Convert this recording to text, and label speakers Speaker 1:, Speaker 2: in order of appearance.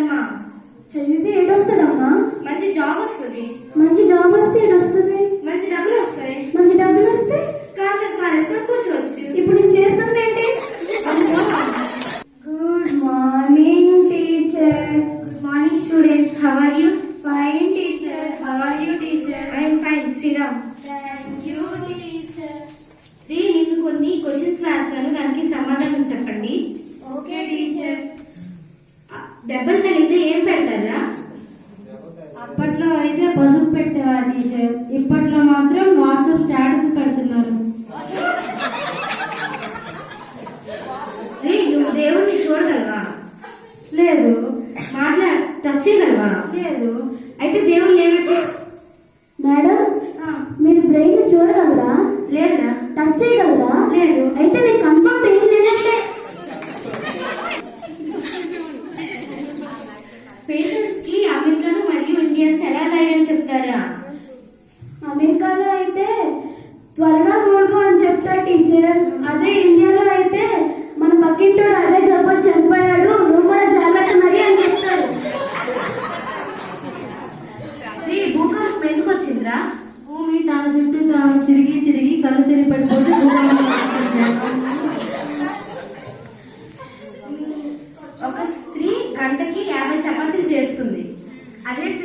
Speaker 1: చదవాలమ్మా.
Speaker 2: చదివితే ఏడొస్తుందమ్మా?
Speaker 1: మంచి జాబ్ వస్తుంది.
Speaker 2: మంచి జాబ్ వస్తే ఏడొస్తుంది?
Speaker 1: మంచి డబ్బులు వస్తాయి.
Speaker 2: మంచి డబ్బులు వస్తే
Speaker 1: కార్ కారేసుకొని కూర్చోవచ్చు.
Speaker 2: ఇప్పుడు నేను చేస్తుంది ఏంటి? Good morning teacher.
Speaker 1: Good morning students. How are you?
Speaker 2: Fine teacher. How are you teacher?
Speaker 1: I'm fine. Sit down.
Speaker 2: Thank you teacher.
Speaker 1: నేను కొన్ని క్వశ్చన్స్ రాస్తాను, దానికి సమాధానం చెప్పండి.
Speaker 2: Okay teacher.
Speaker 1: దెబ్బలు తగిలితే ఏం పెడతారా?
Speaker 2: అప్పట్లో అయితే పసుపు పెట్టేవారు టీచర్, ఇప్పట్లో మాత్రం వాట్సాప్ స్టేటస్ పెడుతున్నారు.
Speaker 1: నువ్వు దేవుణ్ణి చూడగలవా?
Speaker 2: లేదు.
Speaker 1: టచ్ చేయగలవా?
Speaker 2: లేదు.
Speaker 1: అయితే దేవుడు లేనట్టు.
Speaker 2: మేడం, మీరు బ్రెయిన్ చూడగలరా?
Speaker 1: లేదురా.
Speaker 2: టచ్ చేయగలరా?
Speaker 1: లేదు.
Speaker 2: అయితే నేను కన్ఫర్మ్ ఏం లేదంటే.
Speaker 1: పేషెంట్స్ కి అమెరికన్ మరియు ఇండియన్స్ ఎలా ధైర్యం చెప్తారా?
Speaker 2: అమెరికాలో అయితే త్వరగా కోలుకో అని చెప్తారు టీచర్. అదే ఇండియాలో అయితే మన పక్కింటోడు అదే జబ్బు చనిపోయాడు, నువ్వు కూడా జాగ్రత్త మరి అని చెప్తారు.
Speaker 1: భూకంపం ఎందుకు వచ్చిందిరా?
Speaker 2: భూమి తన చుట్టూ తాను తిరిగి తిరిగి కళ్ళు తిరిగి పడిపోతే
Speaker 1: ఒక స్త్రీ గంటకి 50 చపాతీలు చేస్తుంది. అదే